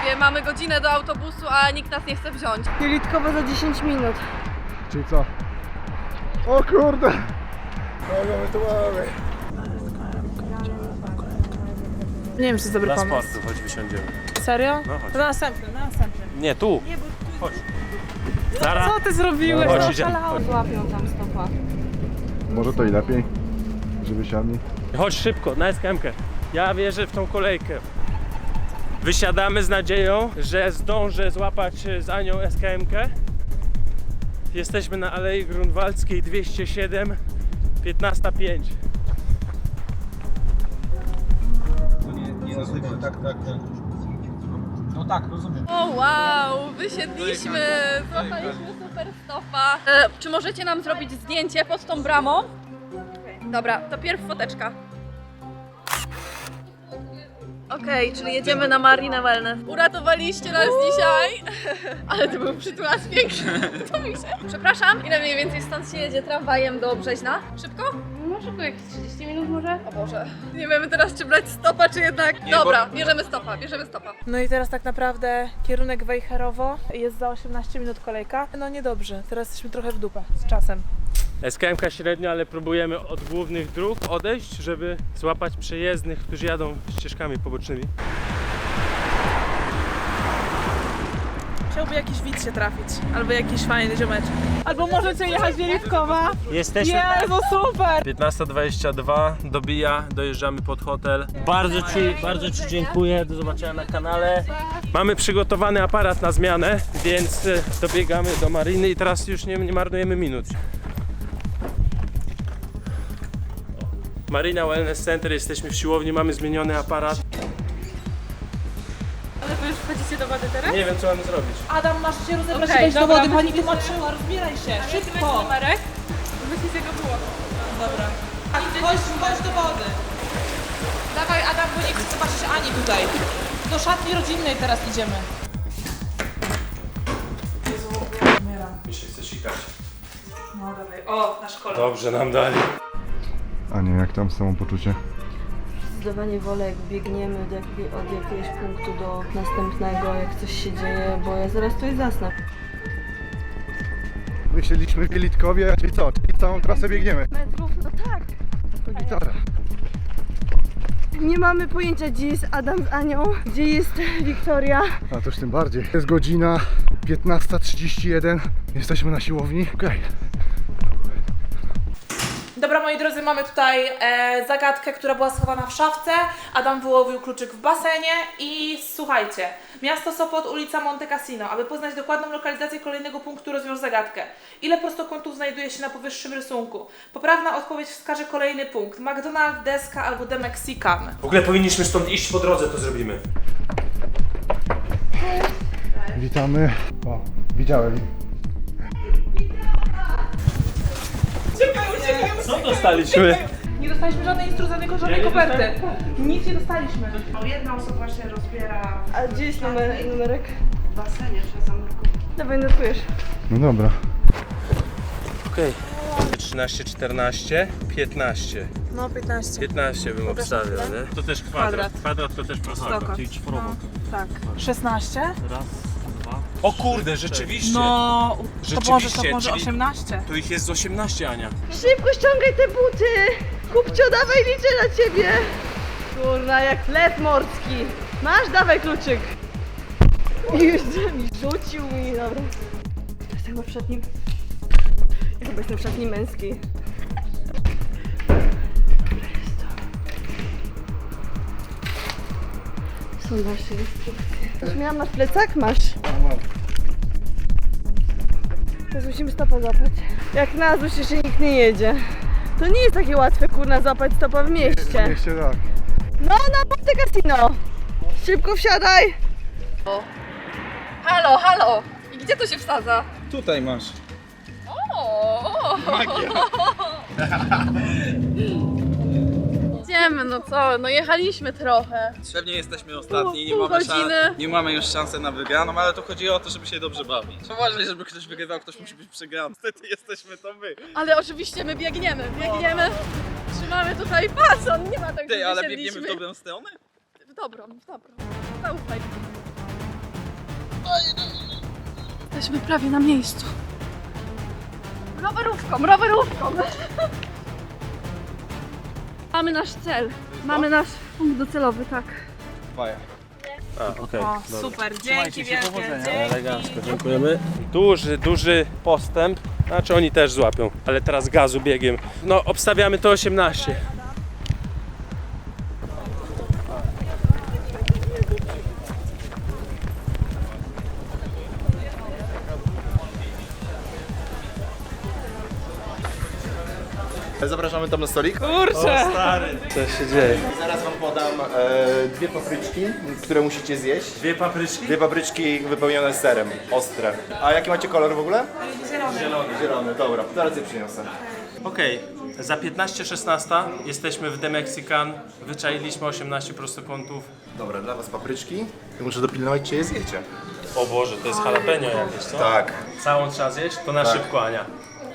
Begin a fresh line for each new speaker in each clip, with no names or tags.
towarzystwie. Mamy godzinę do autobusu, a nikt nas nie chce wziąć. Jelitkowo za 10 minut.
Czyli co? O kurde! Kogo my tu mamy?
Nie wiem, czy to jest dobry
Dla
pomysł.
sportu, chodź wysiądziemy.
Serio?
No chodź.
To na następny, na następny.
Nie, tu. Chodź. Zara.
Co ty zrobiłeś?
Chodź,
No,
idziemy.
szalałeś.
Złapią tam stopa.
Może to i lepiej, żeby siadli.
Chodź szybko, na SKM-kę. Ja wierzę w tą kolejkę. Wysiadamy z nadzieją, że zdążę złapać z Anią SKM-kę. Jesteśmy na Alei Grunwaldzkiej 207, 15:05.
No tak, rozumiem.
O wow, wysiedliśmy, złapaliśmy super stopa. Czy możecie nam zrobić zdjęcie pod tą bramą? Dobra, to pierw foteczka. Okej, czyli jedziemy na Marina Wellness. Uratowaliście nas dzisiaj, ale to był przytulas piękny. To mi się. Przepraszam, ile mniej więcej stąd się jedzie tramwajem do Brzeźna? Szybko?
No szybko, jakieś 30 minut może?
O Boże, nie wiemy teraz czy brać stopa, czy jednak... Dobra, bierzemy stopa, bierzemy stopa.
No i teraz tak naprawdę kierunek Wejherowo, jest za 18 minut kolejka. No niedobrze, teraz jesteśmy trochę w dupę z czasem.
SKM-ka średnio, ale próbujemy od głównych dróg odejść, żeby złapać przejezdnych, którzy jadą ścieżkami pobocznymi.
Chciałby jakiś widz się trafić, albo jakiś fajny ziomeczek. Albo możecie jechać Wielitkowa.
Jesteśmy...
Jezu, super!
15:22 dobija, dojeżdżamy pod hotel. Bardzo Ci dziękuję, do zobaczenia na kanale. Mamy przygotowany aparat na zmianę, więc dobiegamy do Mariny i teraz już nie marnujemy minut. Marina Wellness Center, jesteśmy w siłowni, mamy zmieniony aparat.
Ale wy już wchodzicie do wody teraz?
Nie wiem co mamy zrobić.
Adam, masz się rozebrać
Okej,
i wejść do
dobra,
wody, pani
musimy
tłumaczyła, rozbieraj się, szybko!
numerek? Musicie go było.
Dobra. Chodź do wody. Dawaj Adam, bo nie chcę zobaczyć Ani tutaj. Do szatni rodzinnej teraz idziemy. Jezu, umieram.
Mi się chce sikać.
No dawaj, o, na szkole.
Dobrze nam dali.
A nie, jak tam samopoczucie?
Zdawanie wolek, biegniemy od jakiegoś punktu do następnego, jak coś się dzieje, bo ja zaraz tutaj zasnę.
Wysiedliśmy w Wielitkowie, czyli co? Czyli całą trasę biegniemy.
Metrów? No tak.
To gitara.
Nie mamy pojęcia, gdzie jest Adam z Anią, gdzie jest Wiktoria.
A to już tym bardziej. Jest godzina 15:31. Jesteśmy na siłowni. Okej.
Dobra, moi drodzy, mamy tutaj zagadkę, która była schowana w szafce. Adam wyłowił kluczyk w basenie i słuchajcie. Miasto Sopot, ulica Monte Cassino. Aby poznać dokładną lokalizację kolejnego punktu, rozwiąż zagadkę. Ile prostokątów znajduje się na powyższym rysunku? Poprawna odpowiedź wskaże kolejny punkt. McDonald's, deska albo The Mexican.
W ogóle powinniśmy stąd iść po drodze, to zrobimy.
Witamy. O, widziałem.
Co dostaliśmy?
Nie dostaliśmy żadnej instrukcji, żadnej
nie
koperty. Nic nie dostaliśmy.
Jedna osoba się rozbiera
A gdzie jest numerek?
w basenie, trzeba zanurkować.
Dawaj, notujesz.
No dobra.
Okej. 13, 14, 15.
No 15.
15 bym
Pokaż
obstawiał,
na chwilę.
nie? To też kwadrat. Kwadrat to też prostokąt.
Czyli czworobok. Tak. 16?
O kurde, rzeczywiście.
No,
Rzeczywiście,
to może
czyli-
18.
Tu ich jest z 18, Ania.
Szybko ściągaj te buty! Kupcio, dawaj, liczę na ciebie! Kurna, jak lew morski. Masz, dawaj kluczyk. I już mi rzucił mi, dobra. Jestem chyba w szatni... Ja chyba jestem w szatni męskiej. Dobra, jest to. Są nasze instrukcje. Już miałam, masz plecak? Masz. Teraz musimy stopa złapać. Jak na ZUS jeszcze nikt nie jedzie. To nie jest takie łatwe, kurna, złapać stopa w mieście.
Mieście tak.
No, na Monte Cassino. Szybko wsiadaj. Halo, halo. I gdzie to się wsadza?
Tutaj masz.
O! Idziemy, no co? No jechaliśmy trochę.
Pewnie jesteśmy ostatni,
Pół godziny.
nie mamy już szansy na wygraną, ale to chodzi o to, żeby się dobrze bawić. Uważaj, żeby ktoś wygrywał, ktoś musi być przegrany. Niestety jesteśmy to my.
Ale oczywiście my biegniemy. Trzymamy tutaj pas, nie ma tak,
Ty,
że
ale
wysiedliśmy.
biegniemy w dobrą stronę?
W dobrą. Zaufaj.
Jesteśmy prawie na miejscu. Rowerówką! Mamy nasz cel. Mamy nasz punkt docelowy, tak.
Okej.
O, super, dzięki wielkie.
Elegancko, dziękujemy. Duży postęp. Znaczy oni też złapią, ale teraz gazu biegiem. No, obstawiamy to 18.
Zapraszamy tam na stolik.
Kurczę!
Co się dzieje?
Zaraz wam podam dwie papryczki, które musicie zjeść.
Dwie papryczki?
Dwie papryczki wypełnione serem, ostre. A jaki macie kolor w ogóle?
Zielony.
Zielony, dobra, zaraz je przyniosę.
Okej, za 15-16 jesteśmy w The Mexican. Wyczailiśmy 18 prostokątów.
Dobra, dla was papryczki. Muszę dopilnować, czy je zjecie.
O Boże, to jest jalapeno jakieś, co?
Tak.
Całą trzeba zjeść? To na szybko, Ania.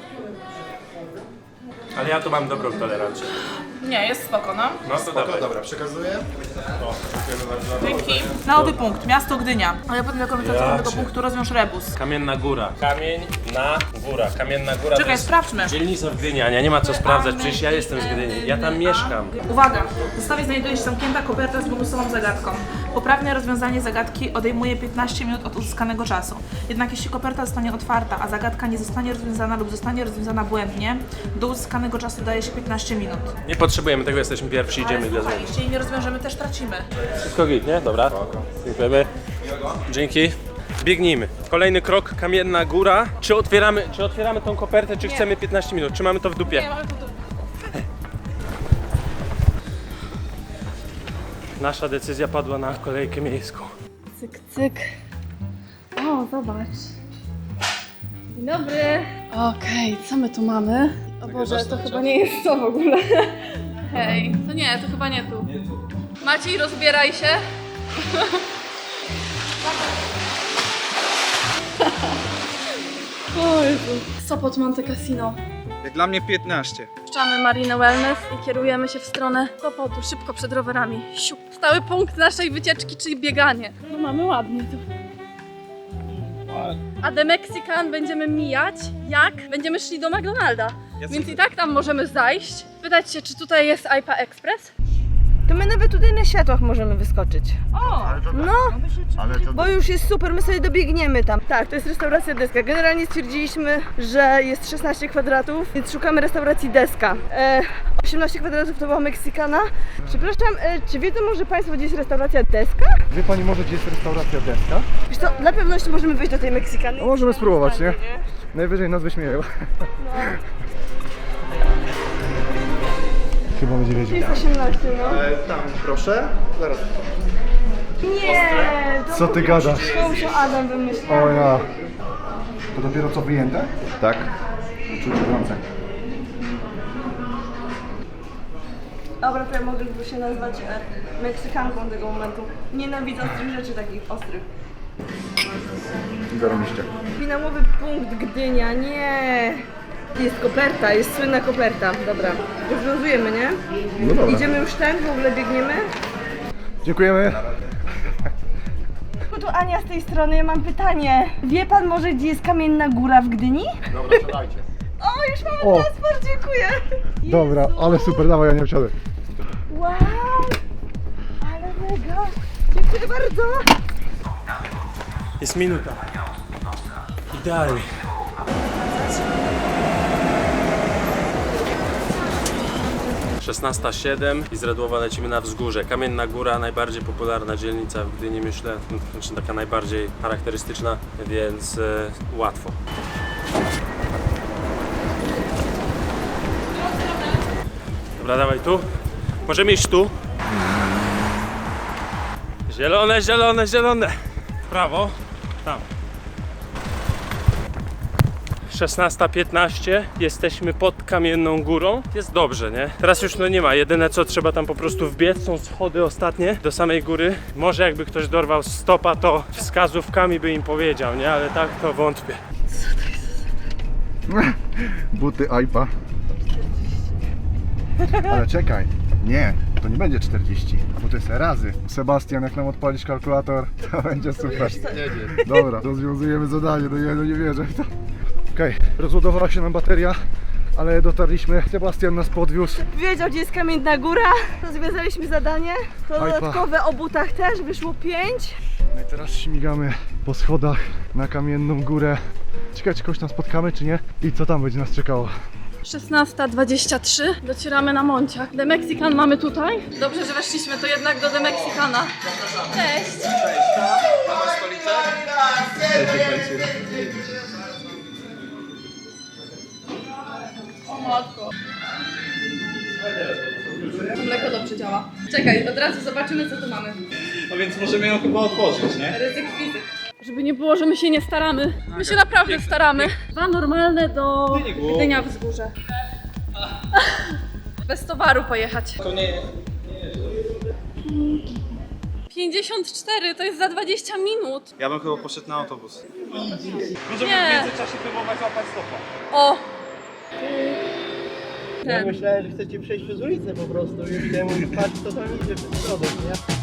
Ale ja tu mam dobrą tolerancję.
Nie, jest spoko, no.
No to dawaj.
Dobra, przekazuję.
O, dziękujemy bardzo.
Dzięki. Nowy punkt, miasto Gdynia. A ja potem jako organizator tego punktu rozwiąż rebus.
Kamienna Góra. Kamienna Góra. to
Czekaj,
jest
sprawdźmy.
dzielnica w Gdyni, Ania, nie ma co sprawdzać, przecież ja jestem z Gdyni. Ja tam mieszkam.
Uwaga! W zestawie znajduje się zamknięta koperta z bonusową zagadką. Poprawne rozwiązanie zagadki odejmuje 15 minut od uzyskanego czasu. Jednak jeśli koperta zostanie otwarta, a zagadka nie zostanie rozwiązana lub zostanie rozwiązana błędnie, do uzyskanego czasu daje się 15 minut.
Nie potrzebujemy tego, jesteśmy pierwsi,
Ale
idziemy
słuchaj,
gazem.
jeśli jej nie rozwiążemy, też tracimy.
Wszystko git, nie? Dobra. Dziękujemy. Dzięki. Biegnijmy. Kolejny krok, Kamienna Góra. Czy otwieramy tą kopertę, czy chcemy 15 minut? Czy mamy to w dupie?
Nie, mamy tu.
Nasza decyzja padła na kolejkę miejską.
Cyk, cyk. O, zobacz. Dzień dobry. Okej, co my tu mamy? O Boże, to chyba nie jest to w ogóle. Hej, to nie, to chyba nie tu. Maciej, rozbieraj się. O Jezu. Sopot Monte Cassino.
Jak dla mnie 15.
Puszczamy Marinę Wellness i kierujemy się w stronę Sopotu, szybko przed rowerami. Siup. Stały punkt naszej wycieczki, czyli bieganie. No mamy ładnie tu. A The Mexican będziemy mijać, jak będziemy szli do McDonalda. Więc i tak tam możemy zajść. Pytać się, czy tutaj jest IPA Express?
To my nawet tutaj na światłach możemy wyskoczyć. No, bo już jest super, my sobie dobiegniemy tam. Tak, to jest restauracja Deska. Generalnie stwierdziliśmy, że jest 16 kwadratów, więc szukamy restauracji Deska. 18 kwadratów to była Meksykana. Przepraszam, czy wiedzą może Państwo, gdzie jest restauracja Deska?
Wie pani może, gdzie jest restauracja Deska?
Wiesz co, dla pewności możemy wejść do tej Meksykany.
No możemy spróbować, nie? Najwyżej nas wyśmieją. Chyba będzie wiedział.
Jest 18, no.
Tam, proszę. Zaraz.
Nie!
Co ty gadasz?
To już Adam wymyślił.
O ja. To dopiero co wyjęte?
Tak.
Czuć gorące.
Dobra, to ja mogę się nazwać Meksykanką tego momentu. Nienawidzę ostrych rzeczy takich ostrych.
Zarobiście.
Finałowy punkt Gdynia, nie! Jest koperta, jest słynna koperta. Dobra, rozwiązujemy, nie?
No dobra.
Idziemy już ten, w ogóle biegniemy.
Dziękujemy.
Tu Ania z tej strony, ja mam pytanie. Wie pan może, gdzie jest Kamienna Góra w Gdyni?
Dobra, siadajcie.
O, już mamy
O.
transport, dziękuję!
Dobra,
Jezu.
ale super, dawaj, ja nie wsiadę.
Wow! Ale mega! Dziękuję bardzo!
Jest minuta. Idealnie. Szesnasta 7 i z Radłowa lecimy na wzgórze. Kamienna Góra, najbardziej popularna dzielnica w Gdyni, myślę, znaczy taka najbardziej charakterystyczna, więc łatwo. Dobra, dawaj tu. Możemy iść tu. Zielone, zielone, zielone. W prawo. Tam. 16:15, jesteśmy pod Kamienną Górą. Jest dobrze, nie? Teraz już nie ma. Jedyne co trzeba tam po prostu wbiec, są schody ostatnie do samej góry. Może jakby ktoś dorwał stopa, to wskazówkami by im powiedział, nie? Ale tak to wątpię.
Buty AIPA. Ale czekaj. Nie, to nie będzie 40, bo to jest razy. Sebastian, jak nam odpalisz kalkulator, to będzie super. Dobra, rozwiązujemy zadanie, no nie wierzę w to. Okej, rozładowała się nam bateria, ale dotarliśmy. Sebastian nas podwiózł.
Wiedział, gdzie jest Kamienna Góra. Rozwiązaliśmy zadanie. To
Ajpa.
dodatkowe o butach też wyszło 5.
No i teraz śmigamy po schodach na Kamienną Górę. Ciekawe, czy kogoś tam spotkamy, czy nie? I co tam będzie nas czekało?
16:23. Docieramy na Monciach. The Mexican mamy tutaj. Dobrze, że weszliśmy to jednak do The Mexicana. Cześć! O matko. Mleko dobrze działa. Czekaj, od razu zobaczymy, co tu mamy.
No więc możemy ją chyba otworzyć, nie?
Ryzyk fizyk. Żeby nie było, że my się nie staramy. My się naprawdę staramy. 2 normalne do Gdynia Wzgórze. Bez towaru pojechać.
To nie...
54, to jest za 20 minut.
Ja bym chyba poszedł na autobus. Możemy
Nie.
w międzyczasie próbować łapać stopa.
O!
Ja myślałem, że chcecie przejść przez ulicę po prostu i chciałem mówić, patrz co tam idzie przez środek, nie?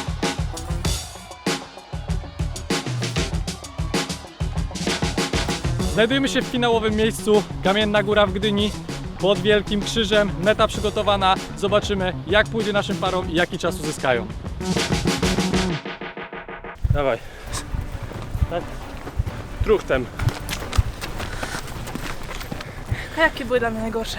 Znajdujemy się w finałowym miejscu, Kamienna Góra w Gdyni, pod Wielkim Krzyżem, meta przygotowana, zobaczymy jak pójdzie naszym parom i jaki czas uzyskają.
Dawaj. Tak. Truchtem.
A jakie były dla mnie najgorsze?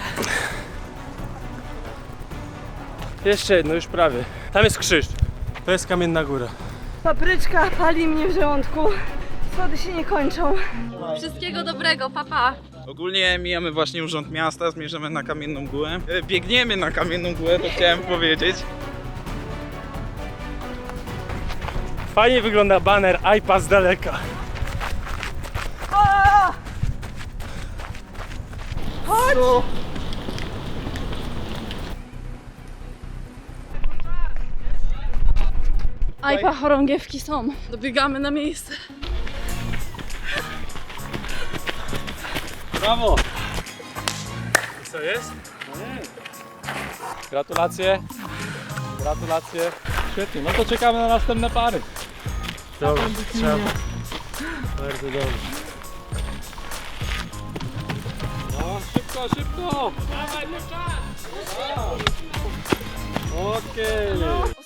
Jeszcze jedno, już prawie. Tam jest krzyż. To jest Kamienna Góra.
Papryczka pali mnie w żołądku. Schody się nie kończą.
Wszystkiego dobrego, papa.
Ogólnie mijamy właśnie Urząd Miasta, zmierzamy na Kamienną Górę. Biegniemy na Kamienną Górę, to chciałem powiedzieć.
Fajnie wygląda baner iPad z daleka.
Chodź!
Ajpa, chorągiewki są. Dobiegamy na miejsce.
Brawo!
I co jest?
Gratulacje. Gratulacje. Świetnie, no to czekamy na następne pary.
Dobrze, trzeba. Bardzo dobrze.
No, szybko, szybko! Dawaj, nie czas! Okej.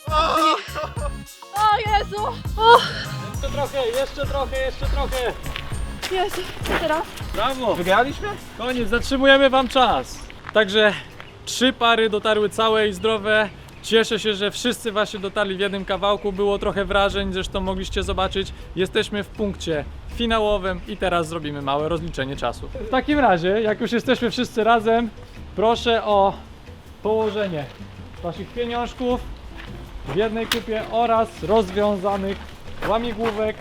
O Jezu! O!
Jeszcze trochę, jeszcze trochę, jeszcze trochę.
Jezu, co teraz?
Brawo! Wygraliśmy? Koniec, zatrzymujemy wam czas. Także 3 pary dotarły całe i zdrowe. Cieszę się, że wszyscy właśnie dotarli w jednym kawałku. Było trochę wrażeń, zresztą mogliście zobaczyć. Jesteśmy w punkcie finałowym i teraz zrobimy małe rozliczenie czasu. W takim razie, jak już jesteśmy wszyscy razem, proszę o położenie waszych pieniążków w jednej kupie oraz rozwiązanych łamigłówek.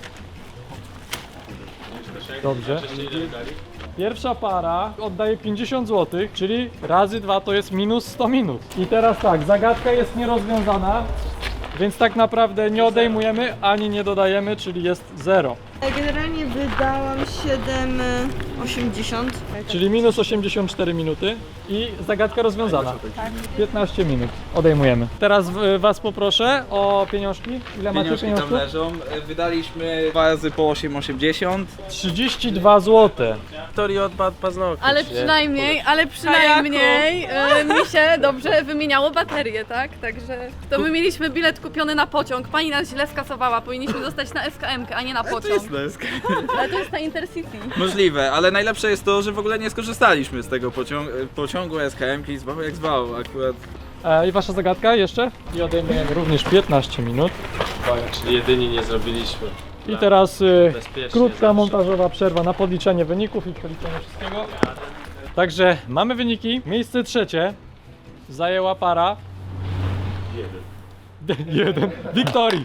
Dobrze. Pierwsza para oddaje 50 zł, czyli razy 2 to jest minus 100 minut. I teraz tak, zagadka jest nierozwiązana, więc tak naprawdę nie odejmujemy ani nie dodajemy, czyli jest 0.
Generalnie wydałam 7,80.
Czyli minus 84 minuty i zagadka rozwiązana. 15 minut odejmujemy. Teraz was poproszę o pieniążki. Ile macie
Pieniążki tam
pieniążków?
leżą. Wydaliśmy 2 razy po 8,80.
32 zł.
Wiktorii odpadł paznokcie.
Ale przynajmniej mi się dobrze wymieniało baterie, tak? Także to my mieliśmy bilet kupiony na pociąg. Pani nas źle skasowała, powinniśmy dostać na SKM-kę, a nie na pociąg. Ale to jest na Intercity.
Możliwe, ale najlepsze jest to, że w ogóle nie skorzystaliśmy z tego pociągu SKM-ki, zwał jak zwał akurat.
I wasza zagadka jeszcze? I odejmujemy również 15 minut.
Czyli jedyni nie zrobiliśmy.
I teraz
Bezpiecznie
krótka
zawsze.
montażowa przerwa na podliczenie wyników i przeliczenie wszystkiego. Także mamy wyniki. Miejsce trzecie zajęła para. Jeden. Wiktorii.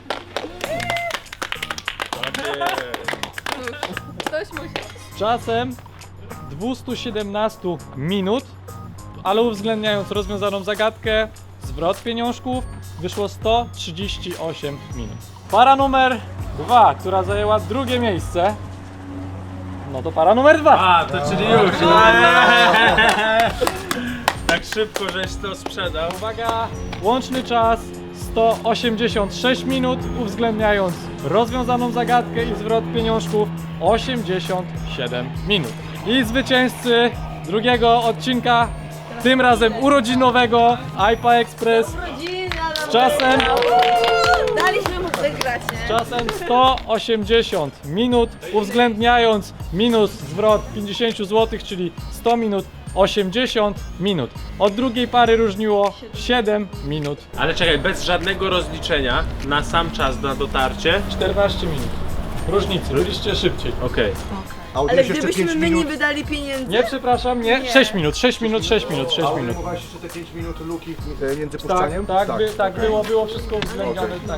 Ktoś musi.
Z czasem 217 minut, ale uwzględniając rozwiązaną zagadkę, zwrot pieniążków, wyszło 138 minut. Para numer 2, która zajęła drugie miejsce, no to para numer 2.
A, to czyli już. Tak szybko, żeś to sprzedał.
Uwaga, łączny czas 186 minut, uwzględniając rozwiązaną zagadkę i zwrot pieniążków 87 minut. I zwycięzcy drugiego odcinka, tym razem urodzinowego iPa Express z czasem,
Daliśmy mu wygrać, nie?
czasem 180 minut, uwzględniając minus zwrot 50 zł, czyli 100 minut 80 minut. Od drugiej pary różniło 7 minut.
Ale czekaj, bez żadnego rozliczenia na sam czas na dotarcie.
14 minut. Różnicy, byliście szybciej.
Okej.
A od
Ale
jeszcze
gdybyśmy
5
my
minut.
nie wydali pieniędzy...
Nie, przepraszam, nie. 6 minut, 6 minut, 6 minut, 6
A
minut.
ujmowałeś jeszcze te 5 minut luki między
Tak,
puszczaniem?
tak, było wszystko uwzględnione, tak.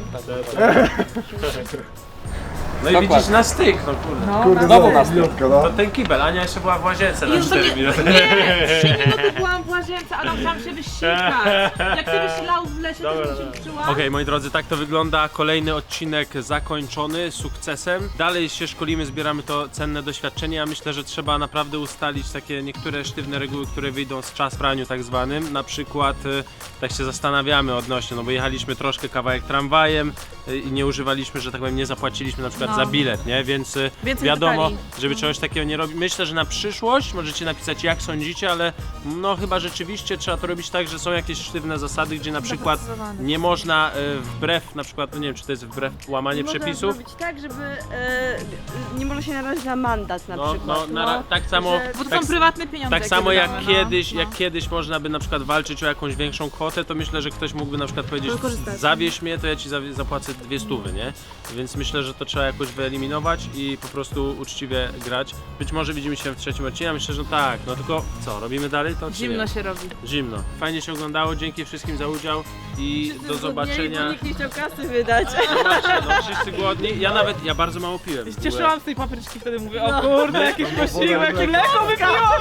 No i widzisz na styk, no kurde.
Kurde, znowu na stówkę, no.
To ten kibel, Ania jeszcze była w łazience na 4 minuty.
Nie, 3 minuty byłam w łazience, Adam chciałam się wysikać. Jak ty byś lał w lesie, to bym się uczyła.
Okej, moi drodzy, tak to wygląda. Kolejny odcinek zakończony sukcesem. Dalej się szkolimy, zbieramy to cenne doświadczenie. Ja myślę, że trzeba naprawdę ustalić takie niektóre sztywne reguły, które wyjdą z czas praniu tak zwanym. Na przykład tak się zastanawiamy odnośnie, no bo jechaliśmy troszkę kawałek tramwajem i nie używaliśmy, że tak powiem, nie zapłaciliśmy na przykład za bilet, nie? Więc wiadomo,
detali.
żeby czegoś takiego nie robić. Myślę, że na przyszłość możecie napisać, jak sądzicie, ale no chyba rzeczywiście trzeba to robić tak, że są jakieś sztywne zasady, gdzie na przykład nie można wbrew, na przykład, no nie wiem, czy to jest wbrew łamanie przepisów.
Można zrobić tak, żeby nie można się narazić na mandat na przykład.
Tak samo,
Bo to
tak,
są prywatne pieniądze.
tak samo jak
wydamy,
kiedyś, jak kiedyś można by na przykład walczyć o jakąś większą kwotę, to myślę, że ktoś mógłby na przykład powiedzieć, zawieź mnie, to ja ci zapłacę 200, nie? Więc myślę, że to trzeba jakoś wyeliminować i po prostu uczciwie grać. Być może widzimy się w trzecim odcinku, myślę, że tak, no tylko co, robimy dalej to? czy
Zimno
nie?
się robi.
Zimno. Fajnie się oglądało, dzięki wszystkim za udział i do zobaczenia.
Bo nikt nie chciał kasy wydać.
Zobaczcie, no wszyscy głodni. Ja bardzo mało piłem.
Cieszyłam z tej papryczki, wtedy mówię, o kurde, jakiś posiłek i mleko wypiłam.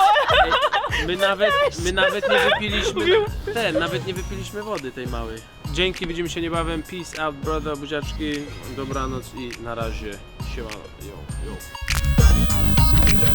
My nawet nie wypiliśmy nawet nie wypiliśmy wody tej małej. Dzięki, widzimy się niebawem. Peace out, brother, buziaczki. Dobranoc i na razie. Siema, yo.